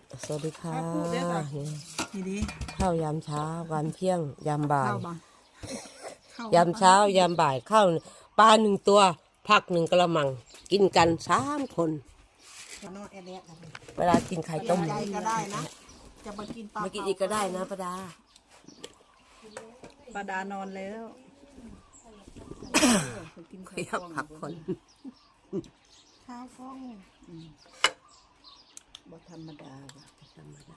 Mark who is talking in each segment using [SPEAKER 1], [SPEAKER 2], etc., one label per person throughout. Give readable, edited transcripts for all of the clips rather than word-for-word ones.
[SPEAKER 1] สวัสดีค่ะ
[SPEAKER 2] นี่ดิ
[SPEAKER 1] ข้าวยามเช้ายามเที่ยงยามบ่าย
[SPEAKER 2] เข้าบ้าง
[SPEAKER 1] ยามเช้ายามบ่ายข้าวปลาหนึ่งตัวผักหนึ่งกระมังกินกัน3 คน
[SPEAKER 2] นอนแอดแอด
[SPEAKER 1] เวลากินไข่ต้ม
[SPEAKER 2] ใจก็ได้นะ จะมากินปลา
[SPEAKER 1] มากินอีกก็ได้นะป้าดา
[SPEAKER 2] ปลาดานอนแล้วกิน
[SPEAKER 1] ขยับผักคน
[SPEAKER 2] ข้าวกล้องบ่ธรรมดาว่ะ
[SPEAKER 1] ธรรมดา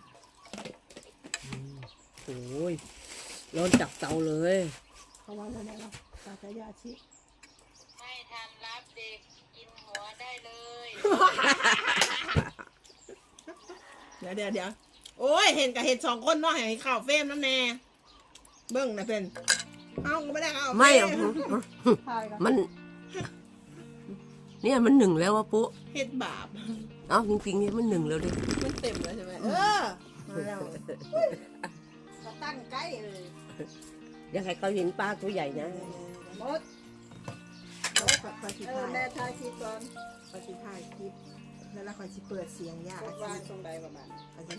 [SPEAKER 1] โอ้ยร้อนจับเตาเลย
[SPEAKER 2] เขาว่าอะไรนะตาตายาชิ
[SPEAKER 3] ไม่ทันรับเด็กกินหัวได้เลย
[SPEAKER 2] เดี๋ยวโอ้ยเห็นกับเห็น2 คนเนาะให้ข่าวเฟรมน้ำแน่เบิ้งนะเป็นเอาก็ไม่ได้เอา
[SPEAKER 1] ไม่เอามันเนี่ยมัน1แล้ววะปุ๊
[SPEAKER 2] เห็ดบาป
[SPEAKER 1] เอ้าจริงๆเนี่ยมัน1แล้วดิ
[SPEAKER 2] มันเต็มแล้วใช่ไหมมาแล้วก็ตั้งใกล้เลย
[SPEAKER 1] อยากให้เขาเห็นปลาตัวใหญ่นะ
[SPEAKER 2] หมดคอยสิถ่ายแม่ถ่ายคลิปก่อนคอยสิถ่ายคลิปแล้วคอยสิเปิดเสียงยากว่าตรงใดประมาณคอยสิ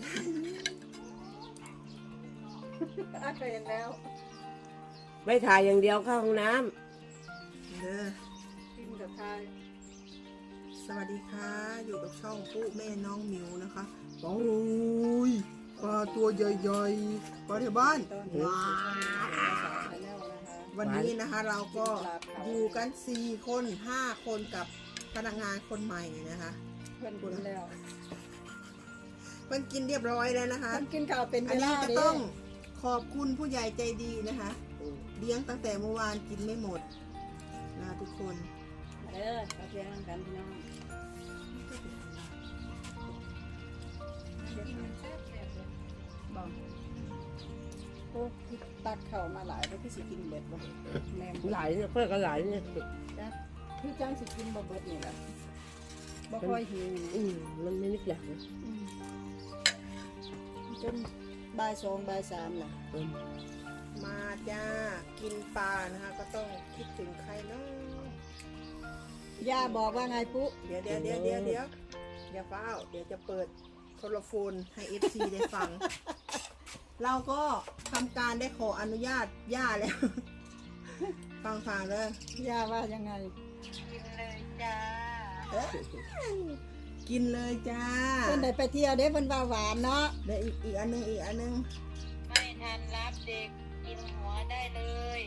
[SPEAKER 2] เคยเห็นแล้ว
[SPEAKER 1] ไม่ถ่ายอย่างเดียวเข้าห้องน้ำ
[SPEAKER 2] เด้อกินกับถ่ายสวัสดีค่ะอยู่กับช่องปุ๊แม่น้องหมิวนะคะโอ้ยปลาตัวใหญ่ๆปลาที่บ้านว้าววันนี้นะคะเราก็อยู่กัน4 คน 5 คนกับพนักงานคนใหม่นะคะเพื่อนกินแล้วเพื่อนกินเรียบร้อยแล้วนะคะ
[SPEAKER 4] มันกินข้าวเป็น
[SPEAKER 2] อัน
[SPEAKER 4] เว
[SPEAKER 2] นี้
[SPEAKER 4] ลา
[SPEAKER 2] ก็
[SPEAKER 4] เด้
[SPEAKER 2] ต้องขอบคุณผู้ใหญ่ใจดีนะคะเลี้ยงตั้งแต่เมื่อวานกินไม่หมดนะทุกคน
[SPEAKER 4] ข้าวเที่ยงกันพี่น้อง
[SPEAKER 2] บอก
[SPEAKER 4] โอ้ตักข้าวมาหลายแล้วพี่สิกินเบิดบ่แม่
[SPEAKER 1] หลายเนี่ยเพื่อนก็หลายเนี่ย
[SPEAKER 4] พี่จังสิกินบ่เบิดนี่แหละบ่ค่อยหิว
[SPEAKER 1] มันไม่นึกอยากนะ
[SPEAKER 4] จนบ่าย2บ่าย3น่ะ
[SPEAKER 2] มาจ้ากินปลานะคะก็ต้องคิดถึงใครเนาะ
[SPEAKER 4] ย่าบอกว่าไงปุ๊
[SPEAKER 2] เดี๋ยวอย่าเฝ้าเดี๋ยวจะเปิดโทรโฟนให้ FC ได้ฟัง เราก็ทำการได้ขออนุญาตย่าแล้ว ฟังเลย
[SPEAKER 4] ย่าว่ายังไง
[SPEAKER 3] กินเลยจ้า
[SPEAKER 2] กินเลยจ้า
[SPEAKER 4] เพิ่นได้ไปเที่ยวเด้เพิ่นว่าหวานเนาะ
[SPEAKER 2] เดี๋ยวอีกอันนึง
[SPEAKER 3] ไม่ทันรับเด็กกินหัวได้เลย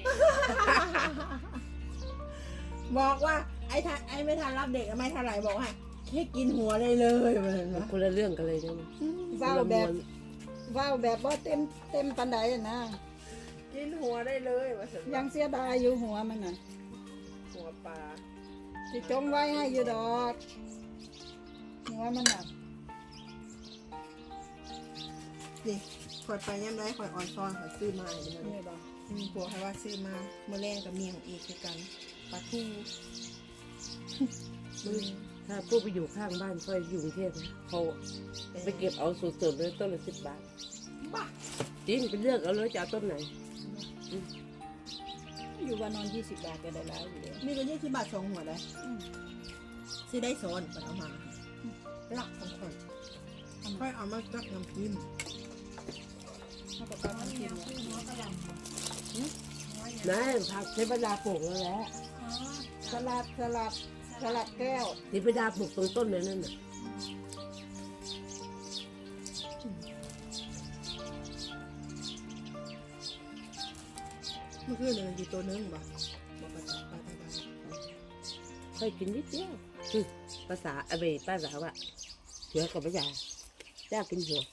[SPEAKER 2] บอกว่าไอ้ไม่ทันรับเด็กไม่เท่าไหร่บอกให้แค่กินหัวได้เลยเหมือนนะ
[SPEAKER 1] คนละเรื่องกันเลยนะ
[SPEAKER 4] เว้าแบบบ่เต็มปานใดอะนะ
[SPEAKER 2] กินหัวได้เลยว่าสัน
[SPEAKER 4] ยังเสียดายอยู่หัวมันน่ะ
[SPEAKER 2] หัวปลา
[SPEAKER 4] สิจงไว้ให้อยู่ดอกหัวมันน่ะ
[SPEAKER 2] นี่ข่อยไปย่ำไรข่อยอ่อนซอนข่อยซื้อมาเลยนะ
[SPEAKER 4] นี่บ่
[SPEAKER 2] บอกให้ว่าซื้อมาเมื่อแรงกับเมียของอีกคือกันปลาทู
[SPEAKER 1] ถ้าพวกไปอยู่ข้างบ้านก็อยู่กรุงเทพนะเขาไปเก็บเอาสดๆเลยต้นละ10 บาท
[SPEAKER 2] บ้า
[SPEAKER 1] จริงไปเลือกเอาเลยจะเอาต้นไหน
[SPEAKER 4] อยู่ว่านอน20 บาทก็ได้แล้วอยู่แล้ว
[SPEAKER 2] นี่ก็20 บาท2 หัวเลยซื้อได้โซนไปเอามาหลักของข่อยค่อยเอามาจักน้ำพิมพ์
[SPEAKER 4] เขาก็ต้องกินเนี่ย
[SPEAKER 1] นั่นผักเทพดาปลูกแล้วแหละ
[SPEAKER 4] สลัดแก้ว
[SPEAKER 1] เทพดาปลูกตรงต้นเลยนั่นน่ะ
[SPEAKER 2] เมื่อคืนเนี่ยมันอยู่ตัวนึงบ่บอกปลาตา
[SPEAKER 1] ค่อยกินนิดเดียวภาษาเบป้าสาวอะเสือกับภาษาเจ้ากินหัว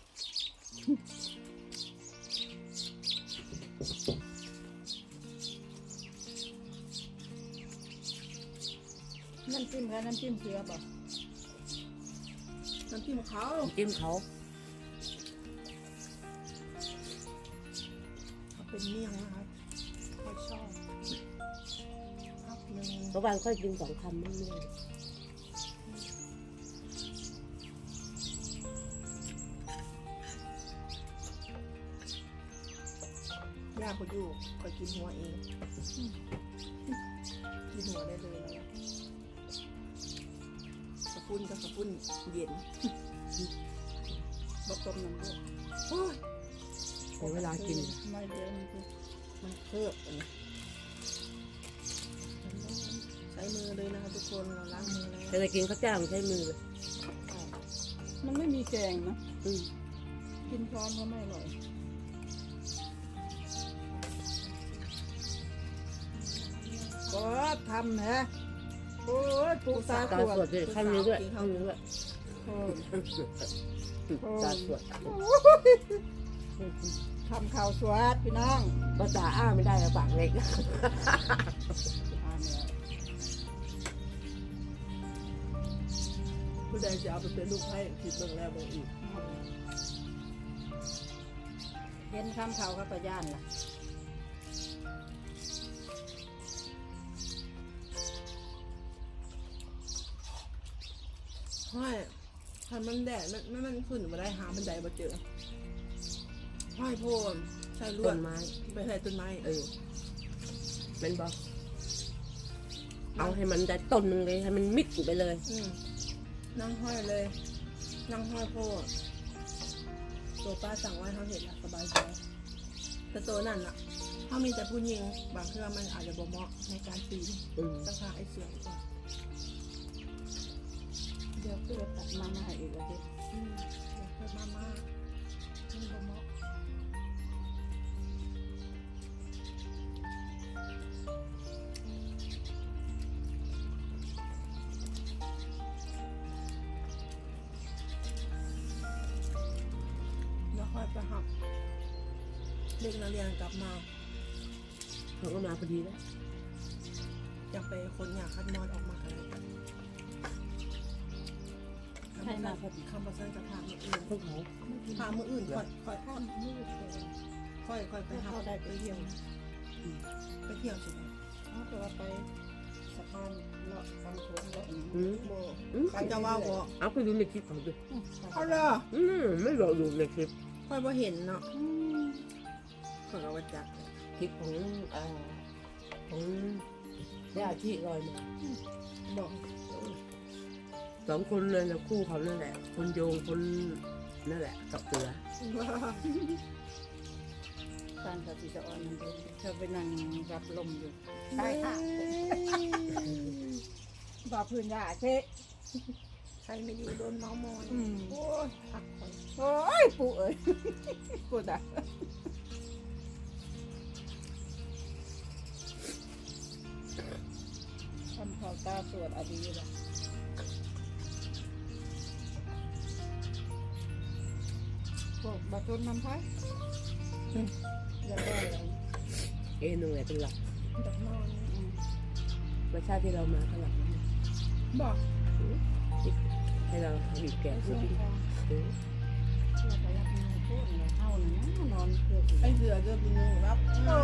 [SPEAKER 4] น้ำจิ้มค่ะน้ำจิ้มเสือบ่
[SPEAKER 2] น้ำจิ้มเขา
[SPEAKER 1] จิ้มเขา
[SPEAKER 2] เขาเป็นเมี่ยงนะครับเขาชอบครับหนึ่ง
[SPEAKER 1] เพราะบางค่อยกิน2 คำไม่เรื่อย
[SPEAKER 2] ย่าเขาอยู่คอยกินหัวเองกินหัวได้เลยนะกระปุ้นก็กระปุ้นเย็น
[SPEAKER 4] บต้มน้ำลูก
[SPEAKER 2] โอ้ย
[SPEAKER 1] เดี๋ยวเวลากิน
[SPEAKER 4] ไม่เดียวมันคือ
[SPEAKER 2] มันเคลือบอันนี้ใช้มือเลยนะคะทุกคนเราล้างมือแล้ว
[SPEAKER 1] แต่จะกินข้าวเจ้ามันใช้มือเลย
[SPEAKER 4] มันไม่มีแกงนะ
[SPEAKER 1] อืม
[SPEAKER 4] กินช้อนก็ไม่อร่อยก็ทำนะโอ้ยปูตา
[SPEAKER 1] ตา
[SPEAKER 4] ขว
[SPEAKER 1] สวด
[SPEAKER 4] ด
[SPEAKER 1] ด้วยข้างนี้ด้วยข้างนี้ด้วย
[SPEAKER 4] โอ้ย
[SPEAKER 1] ตาสวด
[SPEAKER 4] ทำข่าวสวดพี่น้อง
[SPEAKER 1] ภาษาอ้าไม่ได้อะปากเล็ก
[SPEAKER 2] ผู้ใดจะเอาไปเป็นลูกให้คิดเบิ่งแล้วเบิ่งอีก
[SPEAKER 4] เห็นคำข่าวกับประย่านล่ะ
[SPEAKER 2] ห้อยถ้ามันแดดมันขึ้นมาได้หาบันไดมาเจอห้อยโพนใช่ลว
[SPEAKER 1] ต้
[SPEAKER 2] ด
[SPEAKER 1] นไม้
[SPEAKER 2] ไปใส่ต้นไม้
[SPEAKER 1] มันบอกเอาให้มันได้ต้นหนึ่งเลยให้มันมิดไปเลย
[SPEAKER 2] นั่งห้อยเลย นั่งห้อยโพดตัวป้าสั่งไว้เขาเห็นแล้วสบายใจแต่ตัวนั่นล่ะถ้ามีแต่ผู้หญิงบางเครื่องมันอาจจะบ่เหมาะในการปีน
[SPEAKER 1] อืม
[SPEAKER 2] ต้องหาไอ้เสือก่อน
[SPEAKER 4] เดี๋ยวเพื่อตัดมามาอีกแล้วดิ
[SPEAKER 2] เดี๋ยวเพิ่มมาม่ามันบ่เหมาะแล้วค่อยไปหักเด็กนักเรียนกลับมา
[SPEAKER 1] เขาก็มาพอดีแล้ว
[SPEAKER 2] อยากไปคนอยากคัดมอดออกมาอะไรกัน
[SPEAKER 4] ให้มาพอดี
[SPEAKER 2] คำประสานกับทางมืออื่น
[SPEAKER 1] พวกเขา
[SPEAKER 2] ทางมืออื่นค่อย
[SPEAKER 4] ข้ามมืดเลย
[SPEAKER 2] ไปหา
[SPEAKER 4] เข้าได้ไปเที่ยว
[SPEAKER 2] ไปเที่ยวใช่ไหม
[SPEAKER 4] เขาจะว่าไปสะพานเลาะฟังสวนเลาะอย่าง
[SPEAKER 1] อื
[SPEAKER 4] นี้
[SPEAKER 1] ม
[SPEAKER 2] โบ
[SPEAKER 1] อืม
[SPEAKER 2] ใครจะว่าบ่
[SPEAKER 1] เอาไปดูในคลิปเขาดู
[SPEAKER 2] เอาเลย
[SPEAKER 1] ไม่บอกดูในคลิป
[SPEAKER 2] ค่อยบ่เห็นเนาะค่อยก็ว่าจัก
[SPEAKER 1] คลิปของของญาติที่ลอยมา
[SPEAKER 2] บอก
[SPEAKER 1] สองคนเลยนะคู่เขานั่นแหละ คนโยงคนนั่นแหละกับเสือ
[SPEAKER 4] การกับพิจารณาเธอไปนั่งรับลมอยู่ใช่ค่ะบอกพื้นยาเช่
[SPEAKER 2] ใครไม่อยู่โดนเมามอยโอ้ยพักผ่อน
[SPEAKER 4] โอ้ยปู่เอ้ยกูด่าทำข่าวตาสวดอดีตละพวกบาตุนน้ำพักอยากได้อะไร
[SPEAKER 1] หนึ่งเลยเป็นหลัก
[SPEAKER 2] ดักนอน
[SPEAKER 1] ไม่ใช่ที่เรามาข้างหลัง
[SPEAKER 2] บอก
[SPEAKER 1] ให้เราบีบแกะ
[SPEAKER 4] ไป
[SPEAKER 1] พูด
[SPEAKER 4] ส่ง
[SPEAKER 1] ดี
[SPEAKER 4] ของ
[SPEAKER 1] เออ
[SPEAKER 4] เราไปรับงานพูดเนี่ยเท่านี้นอนเพื่อ
[SPEAKER 2] ไอ้เสือเดือดนึงรับ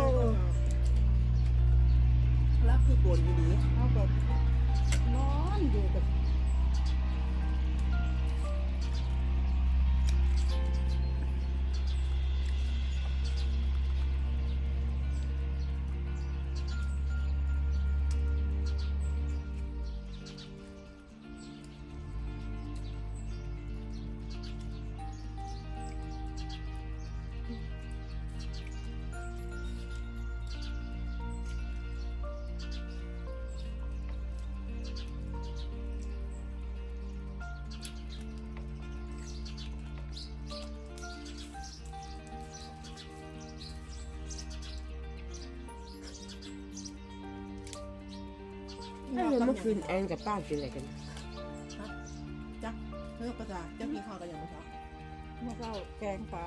[SPEAKER 2] รับคือโกนอยู่ดี
[SPEAKER 4] เขาแบบนอนอยู่กับ
[SPEAKER 1] ถ้าเราเมื่อคืนแอนกับป้ากินอะไรกัน
[SPEAKER 2] จักเพื่อภาษาจักกินข้าวกันอย่างไรครับ
[SPEAKER 4] เมื่อเช้าแกงปลา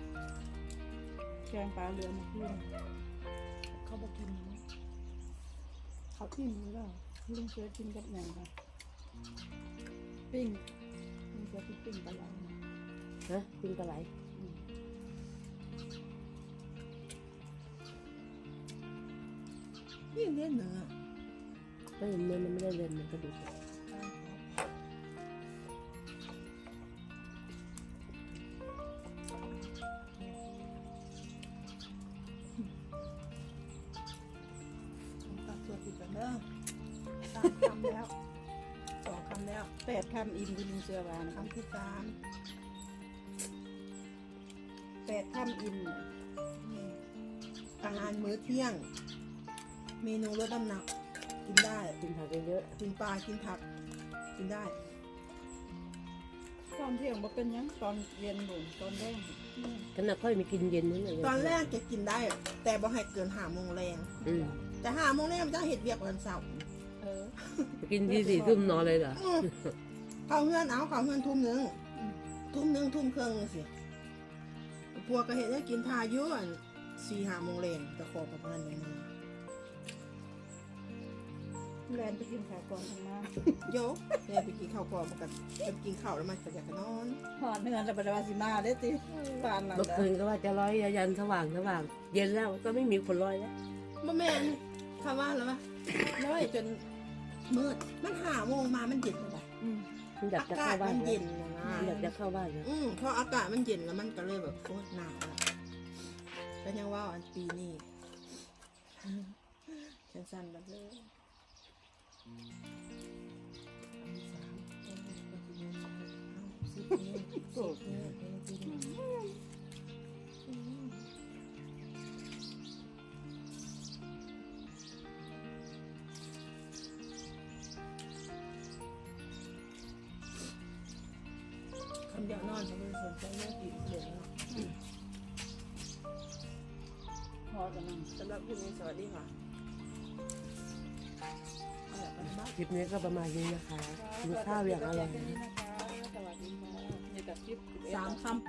[SPEAKER 4] เรือมาขึ้น
[SPEAKER 2] เขาบอกกิน
[SPEAKER 4] เขาที่มือแล้วลุงเสือกินกับอย่างค่ะปิ้งลุงเสือปิ้งปลาไหล
[SPEAKER 1] ฮะกินปลาไหล
[SPEAKER 2] นี่เล่นเนื้อ
[SPEAKER 1] ไม่เห็นเนื้อมันไม่ได้เรียนมันกระดูก
[SPEAKER 2] ตัดตัวติดกันเด้อ3 คำแล้ว2 คำแล้ว
[SPEAKER 4] 8 คำอิ่มที่ลุงเสือวาน
[SPEAKER 2] คำที่3
[SPEAKER 4] 8 ค่ำอิ่มเนี่ย
[SPEAKER 2] อาหารมื้อเที่ยง เมนูลดน้ำหนัก กินได้
[SPEAKER 1] กินผักเยอะ
[SPEAKER 2] กินปลากินผัก กินได้
[SPEAKER 4] ตอนเที่ยงบ่เป็นหยังตอนเย็นหนุนตอนแรก
[SPEAKER 1] ๆขนาดค่อยมีกินเย็นนั่นแหละ
[SPEAKER 2] ตอนแรกจะกินได้ แต่บ่ให้เกิน5 โมงแรง
[SPEAKER 1] อืม
[SPEAKER 2] แต่5 โมงแรงมันจะเห็ดเวียกวันเสาร์
[SPEAKER 4] เออ
[SPEAKER 1] กินที่4 ทุ่มนอนเลยเหรอ
[SPEAKER 2] เข้าเฮือนเอาเข้าเฮือนทุ่มหนึงทุ่มครึ่งสิพวกก็เห็ดได้กินทาเยอะ4-5 โมงแรงแต่ขอประมาณนี้
[SPEAKER 4] แลนไปกินข้าวก่อนทำมา
[SPEAKER 2] โยเนี่ยไปกินข้าวก่อนมันก็ไปกินข้าวแล้วมันก็อยากจะนอน
[SPEAKER 4] หอดเนื้อแล้วบ่ได้ว่าสิมาเด้อติปานนั้น
[SPEAKER 1] เมื่อคืนก็ว่าจะร้อยยันสว่าง เย็นแล้วก็ไม่มีคนร้อยแล้ว
[SPEAKER 2] บ่แม่นคำว่าแล้ววะน้อยจนมืดมัน5 โมงมามันเย็นเลย
[SPEAKER 1] มันอยาก
[SPEAKER 2] อา
[SPEAKER 1] จะ
[SPEAKER 2] กา
[SPEAKER 1] เข้า
[SPEAKER 2] ศ
[SPEAKER 1] บ้า
[SPEAKER 2] มัน น
[SPEAKER 1] แล้
[SPEAKER 2] เย็
[SPEAKER 1] วน
[SPEAKER 2] นะ
[SPEAKER 1] อยากจะเข้าบ้านแล้ว
[SPEAKER 2] พออากาศมันเย็นแล้วมันก็เลยแบบโคตรหนาวอะก็ยังว่าอันปีนี้ฉันสั่นแบบเลยคำเดียวนอนเขาไม่สนใจเรื่องกี่เดือนแล้ว
[SPEAKER 4] พอกันนั่ง
[SPEAKER 2] สำหรับคลิปนี้สวัสดีค่ะเอาล่ะไปบ้าน
[SPEAKER 1] คลิปนี้ก็ประมาณนี้นะคะกินข้าวอย่างอร่อย
[SPEAKER 4] สวัสดีค่ะนี่แต่คลิป
[SPEAKER 2] 3 คำ